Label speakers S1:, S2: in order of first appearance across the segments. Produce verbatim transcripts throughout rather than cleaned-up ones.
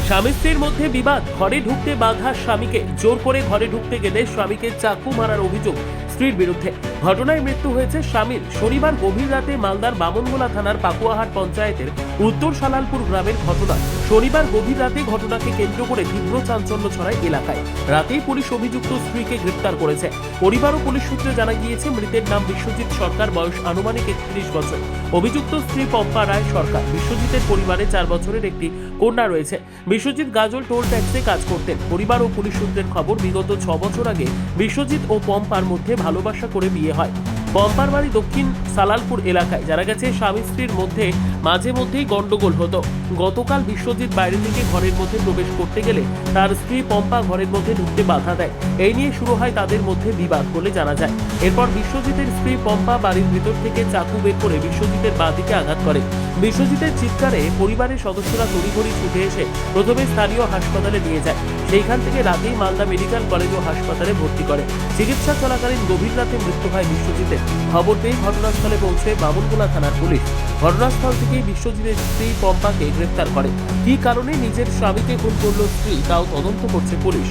S1: স্বামী স্ত্রীর মধ্যে বিবাদ, ঘরে ঢুকতে বাধা স্বামীকে, জোর করে ঘরে ঢুকতে গেলে স্বামীকে চাকু মারার অভিযোগ স্ত্রীর বিরুদ্ধে। ঘটনায় মৃত্যু হয়েছে স্বামীর। শনিবার গভীর রাতে মালদার বামনগোলা থানার পাকুয়াহাট পঞ্চায়েতের উত্তর সালালপুর গ্রামের ঘটনা। শনিবার গভীর রাতে ঘটনাকে কেন্দ্র করে তীব্র চাঞ্চল্য ছড়ায় এলাকায়। রাতেই পুলিশ অভিযুক্ত স্ত্রীকে গ্রেপ্তার করেছে। পরিবার ও পুলিশ সূত্রে জানা গিয়েছে, মৃতের নাম বিশ্বজিৎ সরকার, বয়স আনুমানিক একত্রিশ বছর। অভিযুক্ত স্ত্রী পম্পা রায় সরকার। বিশ্বজিতের পরিবারে চার বছরের একটি কন্যা রয়েছে। বিশ্বজিৎ গাজল টোল ট্যাক্সে কাজ করতেন। পরিবার ও পুলিশ সূত্রের খবর, বিগত ছ বছর আগে বিশ্বজিৎ ও পম্পার মধ্যে ভালোবাসা করে বিয়ে হয়। পম্পার বাড়ি দক্ষিণ সালালপুর এলাকায়। জানা গেছে, স্বামী স্ত্রীর মধ্যে মাঝে মধ্যেই গন্ডগোল হতো। গতকাল বিশ্বজিৎ বাইরে থেকে ঘরের মধ্যে প্রবেশ করতে গেলে তার স্ত্রী পম্পা ঘরের মধ্যে ঢুকতে বাধা দেয়। এই নিয়ে শুরু হয় তাদের মধ্যে বিবাদ বলে জানা যায়। এরপর বিশ্বজিতের স্ত্রী পম্পা বাড়ির ভিতর থেকে চাকু বের করে বিশ্বজিতের বাঁ দিকে আঘাত করে। বিশ্বজিতের চিৎকারে পরিবারের সদস্যরা তড়িঘড়ি ছুটে এসে প্রথমে স্থানীয় হাসপাতালে নিয়ে যায়। সেইখান থেকে রাতেই মালদা মেডিকেল কলেজ ও হাসপাতালে ভর্তি করে। চিকিৎসা চলাকালীন গভীর রাতে মৃত্যু হয় বিশ্বজিতের। খবর পেয়ে ঘটনাস্থলে পৌঁছে বামনগোলা থানার পুলিশ ঘটনাস্থল থেকে বিশ্বজিতের স্ত্রী পম্পাকে গ্রেফতার করে। কী কারণে নিজের স্বামীকে খুন করল স্ত্রী, তাও তদন্ত করছে পুলিশ।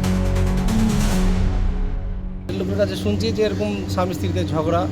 S2: লোকের কাছে শুনছি যে এরকম স্বামী স্ত্রীতে ঝগড়া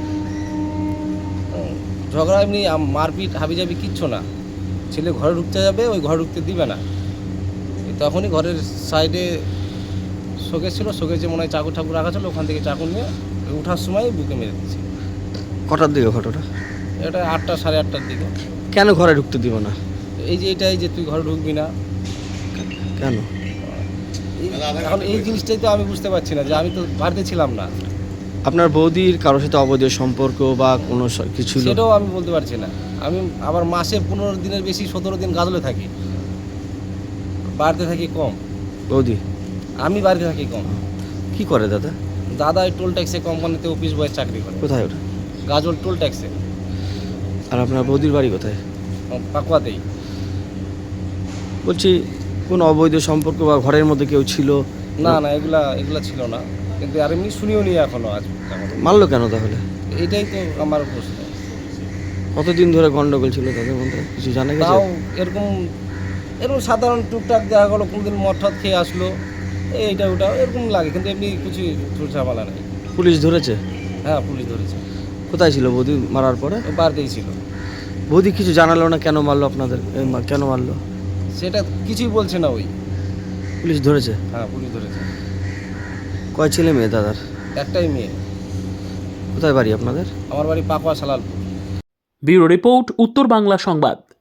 S2: ঝগড়া এমনি মারপিট হাবিজাবি কিচ্ছু না। ছেলে ঘরে ঢুকতে যাবে, ওই ঘরে ঢুকতে দিবে না। তখনই ঘরের সাইডে শোকেস ছিল, শোকেসে মনে হয় চাকু ঠাকু রাখা ছিল, ওখান থেকে চাকু নিয়ে উঠার সময় বুকে মেরে দিচ্ছে।
S3: কটার দিকে ঘটনা?
S2: এটা আটটা সাড়ে আটটার দিকে।
S3: কেন ঘরে ঢুকতে দিব না?
S2: এই যে এটাই যে তুই ঘরে ঢুকবি না
S3: কেন?
S2: এখন এই জিনিসটাই তো আমি বুঝতে পারছি না, যে আমি তো বাড়িতে ছিলাম না।
S3: আপনার বৌদির কারোর সাথে অবৈধ সম্পর্ক বা কোনো স- কিছু ছিল?
S2: সেটাও আমি বলতে পারছি না। আমি আবার মাসে পনেরো দিনের বেশি সতেরো দিন গাজলে থাকি, বাড়িতে থাকি কম।
S3: বৌদি
S2: আমি বাড়িতে থাকি কম।
S3: কি করে দাদা?
S2: দাদা ওই টোল ট্যাক্সে কোম্পানিতে অফিস বয়ের চাকরি করে,
S3: কোথায় ওটা?
S2: গাজল টোল ট্যাক্সে,
S3: আর আপনার বৌদির বাড়ি কোথায়?
S2: পাকুয়াতেই।
S3: বলছি, কোনো অবৈধ সম্পর্ক বা ঘরের মধ্যে কেউ ছিল?
S2: না না, এগুলা এগুলা ছিল না, কিন্তু আর এমনি শুনিও নি এখনো আজ এখনো।
S3: মারলো কেন তাহলে?
S2: এইটাই তো আমার প্রশ্ন।
S3: কতদিন ধরে গন্ডগোল ছিল তাদের মধ্যে, কিছু জানা গেছে?
S2: তাও এরকম এরকম সাধারণ টুকটাক দেখা গেলো, কোনোদিন মদ টদ খেয়ে আসলো, এইটা ওটা এরকম লাগে, কিন্তু এমনি কিছু ঝামেলা নেই।
S3: পুলিশ ধরেছে?
S2: হ্যাঁ, পুলিশ ধরেছে।
S3: কোথায় ছিল বৌদি মারার পরে?
S2: ও বাড়িতেই ছিল।
S3: বৌদি কিছু জানালো না কেন মারলো আপনাদের? এ, মা- কেন মারলো?
S2: সেটা কিছুই বলছে না ওই।
S3: পুলিশ ধরেছে?
S2: হ্যাঁ, পুলিশ ধরেছে।
S3: কয় ছেলে মেয়ে দাদার?
S2: একটাই মেয়ে।
S3: কোথায় বাড়ি আপনাদের?
S2: আমার বাড়ি পাকুয়া সালালপুর।
S1: ব্যুরো রিপোর্ট, উত্তর বাংলা সংবাদ।